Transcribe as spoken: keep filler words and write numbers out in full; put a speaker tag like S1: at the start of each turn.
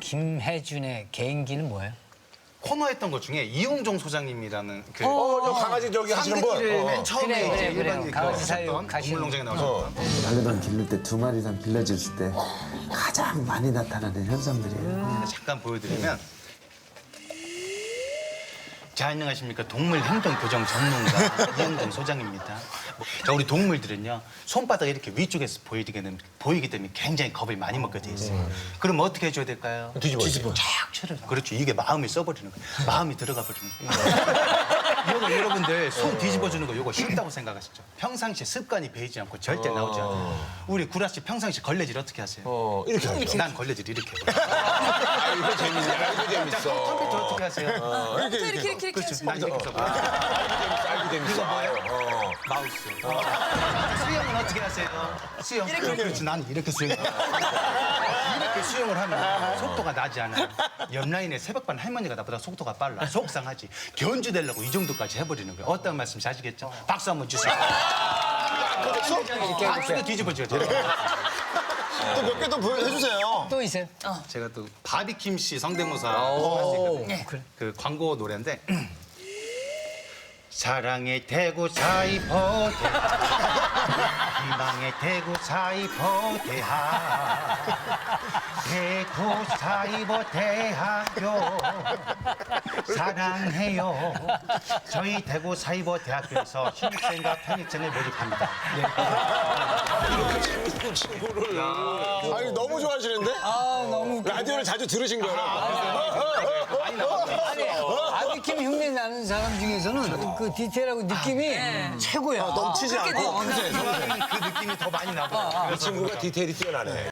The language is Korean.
S1: 김혜준의 개인기는 뭐예요?
S2: 코너 했던 것 중에 이용종 소장님이라는 그
S3: 어, 저 강아지 저기 하시는 분.
S2: 상대기를
S3: 어.
S2: 맨 처음에
S1: 그래,
S2: 이제
S1: 그래, 그래.
S2: 일반
S1: 강아지
S2: 그
S1: 사육
S2: 하셨던
S1: 가시는
S2: 동물농장에 나오셨던
S4: 반려견 기를 때 두 마리 이상 길러줬을 때 가장 많이 나타나는 현상들이에요.
S2: 잠깐 보여드리면 자, 안녕하십니까. 동물 행동 교정 전문가 이용종 소장입니다. 뭐, 자, 우리 동물들은요 손바닥 이렇게 위쪽에서 보이게 되는 보이기 때문에 굉장히 겁을 많이 먹게 돼 있어요. 그럼 어떻게 해줘야 될까요?
S3: 뒤집어. 뒤집어.
S2: 쫙 쳐요. 그렇죠. 이게 마음이 써버리는 거예요. 마음이 들어가 버리는 거예요. 이거 여러분들 손 뒤집어주는 거 이거 쉽다고 생각하시죠? 평상시에 습관이 배이지 않고 절대 나오지 않아요. 우리 구라 씨 평상시 걸레질 어떻게 하세요?
S3: 어, 이렇게 하죠.
S2: 난 걸레질 이렇게 해요.
S3: 아, 이거 재밌네. 이거
S2: 자,
S3: 재밌어.
S2: 컴퓨터 어떻게 하세요?
S5: 이렇게 이렇게 이렇게 이렇게
S2: 그렇죠.
S5: 하시면
S2: 난 이렇게 써봐요.
S3: 알고 재밌어.
S2: 이거 뭐예요?
S3: 어.
S2: 마우스. 수영은 어떻게 하세요? 수영. 이렇게. 그렇지. 난 이렇게 수영. 이렇게 수영을 하면 속도가 나지 않아요. 옆라인에 새벽반 할머니가 나보다 속도가 빨라. 속상하지. 견주되려고 이 정도까지 해버리는 거예요. 어떤 말씀인지 아시겠죠? 박수 한번 주세요. 박수도 뒤집어줘야 돼요.
S6: 또 몇 개 더 보여주세요.
S1: 또 있어요?
S2: 제가 또 바비킴 씨 성대모사 할수 있거든요. 그 광고 노래인데 사랑의 대구 사이버 대학 희망의 대구 사이버 대학 대구 사이버 대학교 사랑해요. 저희 대구 사이버 대학교에서 신입생과 편입생을 모집합니다.
S3: 친구를.
S6: 아니 너무 좋아하시는데?
S1: 아 너무
S6: 라디오를 자주 들으신 거예요.
S2: 많이 나왔어요.
S1: 아니 바비킴 흉내 나는 사람 중에서는 그 디테일하고 느낌이 최고야.
S6: 넘치지 않고.
S2: 그 느낌이 더 많이 나고.
S3: 이 친구가 디테일이 뛰어나네.